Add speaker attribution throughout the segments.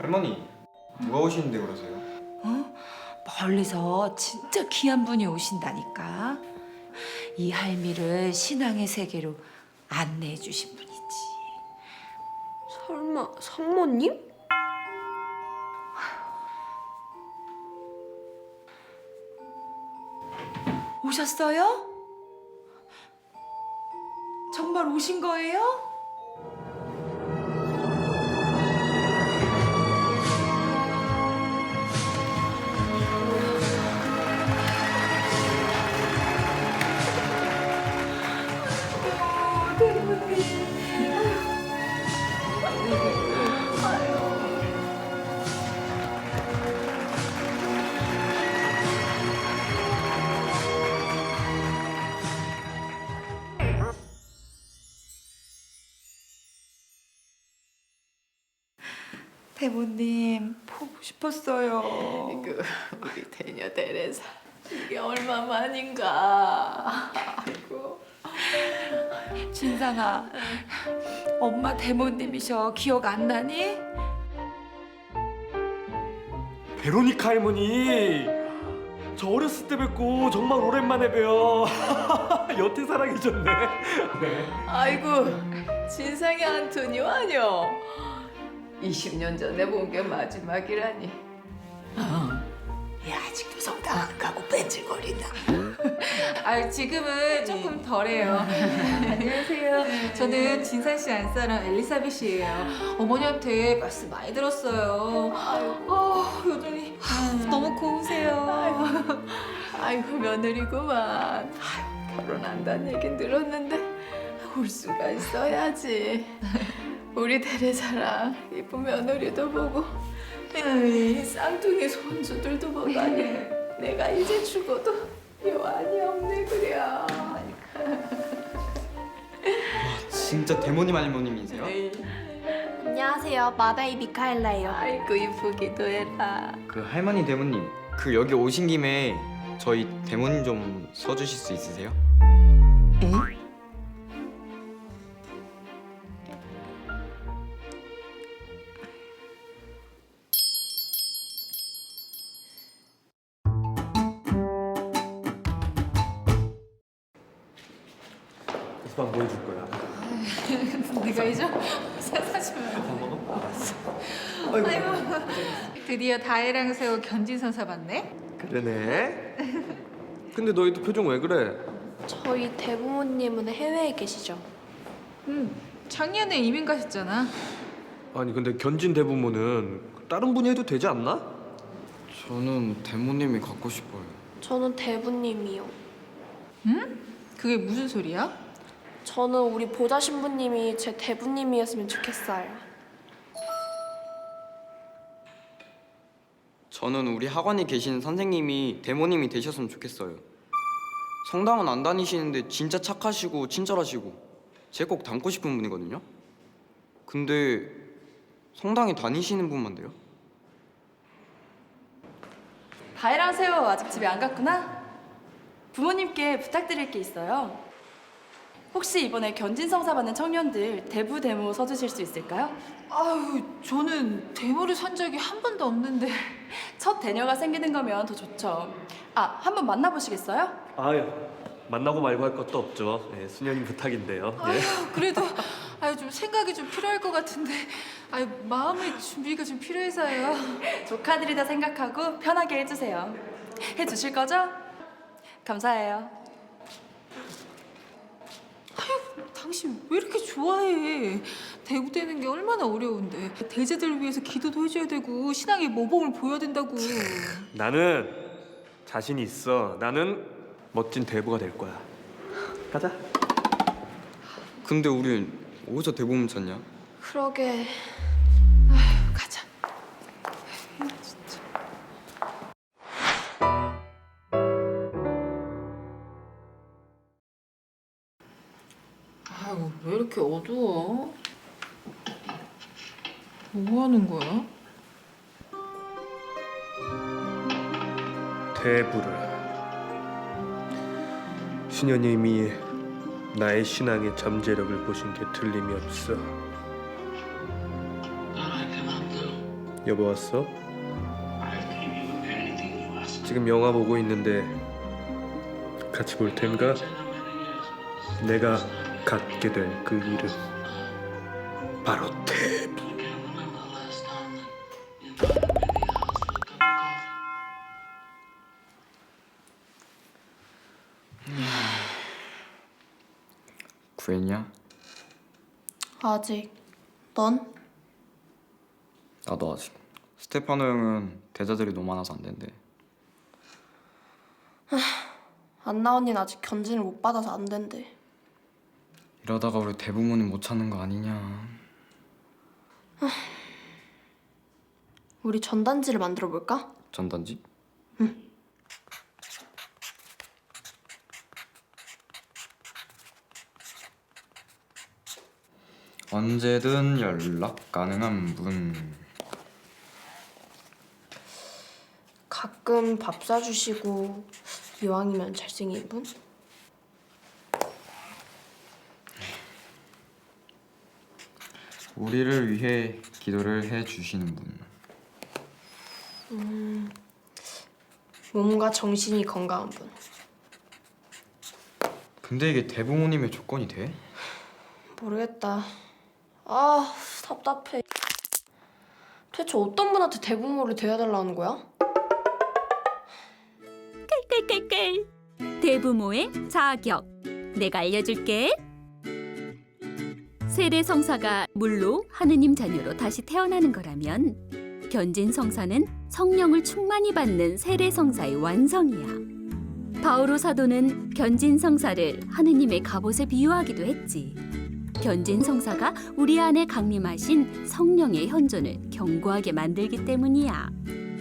Speaker 1: 할머니, 누가 오시는데 그러세요?
Speaker 2: 어? 멀리서 진짜 귀한 분이 오신다니까. 이 할미를 신앙의 세계로 안내해 주신 분이지.
Speaker 3: 설마 상모님?
Speaker 2: 오셨어요? 정말 오신 거예요? 대모님 보고 싶었어요.
Speaker 3: 그 우리 대녀 대레사 이게 얼마만인가. 아이고.
Speaker 2: 진상아, 엄마 대모님이셔. 기억 안 나니?
Speaker 4: 베로니카 할머니, 저 어렸을 때 뵙고 정말 오랜만에 뵈요. 여태 살아계셨네.
Speaker 3: 아이고 진상의 안토니오 아뇨. 20년 전에 본 게 마지막이라니.
Speaker 2: 얘 아직도 성당 안 가고 뺀질거린다.
Speaker 5: 아 지금은 조금 덜해요. 안녕하세요. 저는 진산 씨 안사람 엘리사벳이에요. 어머니한테 말씀 많이 들었어요. 여전히 너무 고우세요.
Speaker 3: 아이고 며느리구만. 아유, 결혼한다는 얘긴 들었는데 올 수가 있어야지. 우리 대레사랑 이쁜 며느리도 보고 에이, 쌍둥이 손주들도 보다니 내가 이제 죽어도 여한이 없네 그려.
Speaker 1: 진짜 대모님 할머님이세요?
Speaker 3: 에이,
Speaker 6: 안녕하세요. 마다이 미카엘라예요.
Speaker 3: 아이고 이쁘기도 해라.
Speaker 1: 그 할머니 대모님, 그 여기 오신 김에 저희 대모님 좀 서주실 수 있으세요?
Speaker 4: 이방 뭐 해줄 거야?
Speaker 5: 네가 이죠? 사주면
Speaker 4: 밥 먹어? 알았어.
Speaker 5: 아이고 드디어 다혜랑 새우 견진선사 봤네.
Speaker 4: 그러네. 근데 너희도 표정 왜 그래?
Speaker 6: 저희 대부모님은 해외에 계시죠?
Speaker 5: 작년에 이민 가셨잖아.
Speaker 4: 아니 근데 견진 대부모는 다른 분이 해도 되지 않나?
Speaker 1: 저는 대모님이 갖고 싶어요.
Speaker 6: 저는 대부님이요.
Speaker 5: 그게 무슨 소리야?
Speaker 6: 저는 우리 보좌 신부님이 제 대부님이었으면 좋겠어요.
Speaker 1: 저는 우리 학원에 계신 선생님이 대모님이 되셨으면 좋겠어요. 성당은 안 다니시는데 진짜 착하시고 친절하시고 제 꼭 닮고 싶은 분이거든요. 근데 성당에 다니시는 분만 돼요?
Speaker 7: 다혜랑 세호 아직 집에 안 갔구나? 부모님께 부탁드릴 게 있어요. 혹시 이번에 견진성사 받는 청년들 대부 데모 서주실 수 있을까요?
Speaker 5: 아유 저는 데모를 산 적이 한 번도 없는데.
Speaker 7: 첫 대녀가 생기는 거면 더 좋죠. 아, 한번 만나보시겠어요?
Speaker 4: 아유, 만나고 말고 할 것도 없죠. 네, 수녀님 부탁인데요. 예.
Speaker 5: 그래도 좀 생각이 좀 필요할 것 같은데 마음의 준비가 좀 필요해서요.
Speaker 7: 조카들이다 생각하고 편하게 해주세요. 해주실 거죠? 감사해요.
Speaker 5: 당신 왜 이렇게 좋아해? 대구되는 게 얼마나 어려운데. 대제들을 위해서 기도도 해줘야 되고 신앙의 모범을 보여야 된다고.
Speaker 4: 나는 자신이 있어. 나는 멋진 대부가 될 거야. 가자.
Speaker 1: 근데 우린 어디서 대모님 찾냐?
Speaker 6: 그러게.
Speaker 5: 가자. 아이고 왜 이렇게 어두워? 뭐 하는 거야?
Speaker 4: 대부를. 수녀님이 나의 신앙의 잠재력을 보신 게 틀림이 없어. 여보 왔어? 지금 영화 보고 있는데 같이 볼 텐가? 내가 갖게 될 그 이름 바로 대부.
Speaker 1: 구했냐?
Speaker 6: 아직. 넌?
Speaker 1: 나도 아직. 스테파노 형은 대자들이 너무 많아서 안 된대.
Speaker 6: 안나 언니는 아직 견진을 못 받아서 안 된대.
Speaker 1: 이러다가 우리 대부모님 못 찾는 거 아니냐.
Speaker 6: 우리 전단지를 만들어 볼까?
Speaker 1: 전단지? 언제든 연락 가능한 분.
Speaker 6: 가끔 밥 사주시고 이왕이면 잘생긴 분?
Speaker 1: 우리를 위해 기도를 해 주시는 분.
Speaker 6: 몸과 정신이 건강한 분.
Speaker 1: 근데 이게 대부모님의 조건이 돼?
Speaker 6: 모르겠다. 아, 답답해. 대체 어떤 분한테 대부모를 대해달라는 거야?
Speaker 8: 깔깔깔 대부모의 자격 내가 알려줄게. 세례성사가 물로 하느님 자녀로 다시 태어나는 거라면 견진성사는 성령을 충만히 받는 세례성사의 완성이야. 바오로 사도는 견진성사를 하느님의 갑옷에 비유하기도 했지. 견진성사가 우리 안에 강림하신 성령의 현존을 견고하게 만들기 때문이야.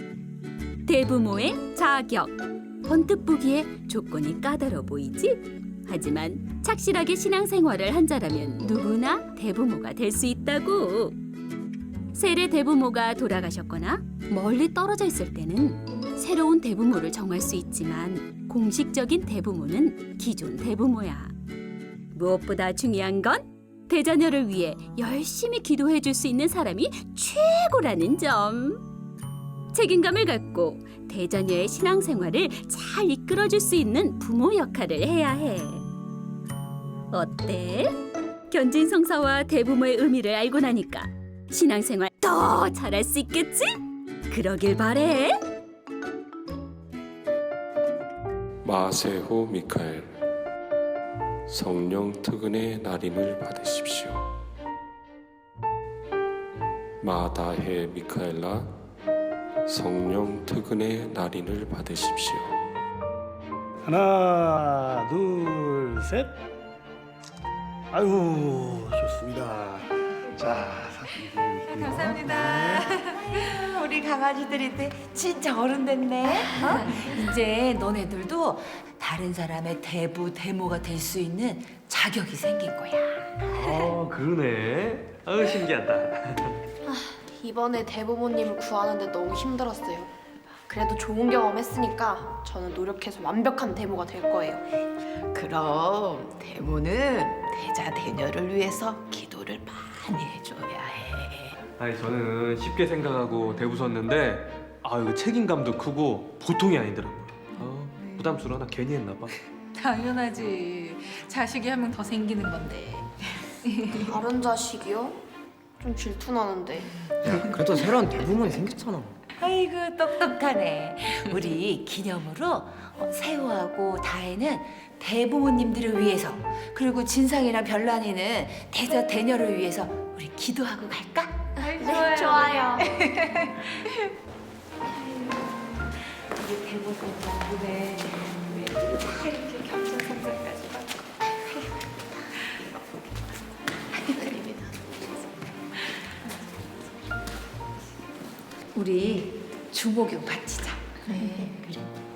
Speaker 8: 대부모의 자격. 언뜻 보기에 조건이 까다로워 보이지? 하지만 착실하게 신앙생활을 한 자라면 누구나 대부모가 될 수 있다고. 세례 대부모가 돌아가셨거나 멀리 떨어져 있을 때는 새로운 대부모를 정할 수 있지만 공식적인 대부모는 기존 대부모야. 무엇보다 중요한 건 대자녀를 위해 열심히 기도해 줄 수 있는 사람이 최고라는 점. 책임감을 갖고 대자녀의 신앙생활을 잘 이끌어줄 수 있는 부모 역할을 해야 해. 어때? 견진성사와 대부모의 의미를 알고 나니까 신앙생활 더 잘할 수 있겠지? 그러길 바래.
Speaker 9: 마세호 미카엘 성령 특은의 날인을 받으십시오. 마다해 미카엘라 성령 특은의 날인을 받으십시오.
Speaker 10: 하나, 둘, 셋. 아유, 좋습니다. 자, 사진.
Speaker 2: 감사합니다. 우리 강아지들인데 진짜 어른 됐네. 이제 너네들도 다른 사람의 대부 대모가 될 수 있는 자격이 생긴 거야.
Speaker 4: 그러네. 아유 신기하다.
Speaker 6: 이번에 대부모님을 구하는데 너무 힘들었어요. 그래도 좋은 경험 했으니까 저는 노력해서 완벽한 대모가 될 거예요.
Speaker 3: 그럼 대모는 대자 대녀를 위해서 기도를 많이 해줘야 해.
Speaker 4: 아니 저는 쉽게 생각하고 대부 섰는데 이거 책임감도 크고 보통이 아니더라고요. 부담스러워. 나 괜히 했나 봐.
Speaker 5: 당연하지. 자식이 한 명 더 생기는 건데.
Speaker 6: 다른 자식이요? 좀 질투나는데.
Speaker 1: 야, 그래도 새로운 대부모님 생겼잖아.
Speaker 2: 아이고 똑똑하네. 우리 기념으로 세호하고 다혜는 대부모님들을 위해서, 그리고 진상이랑 별난이는 대자 대녀를 위해서 우리 기도하고 갈까?
Speaker 6: 네, 좋아요.
Speaker 2: 우리 대부모님 덕분에 다 이렇게 겸손성장까지 받고. 우리 주목용 바치자. 그래.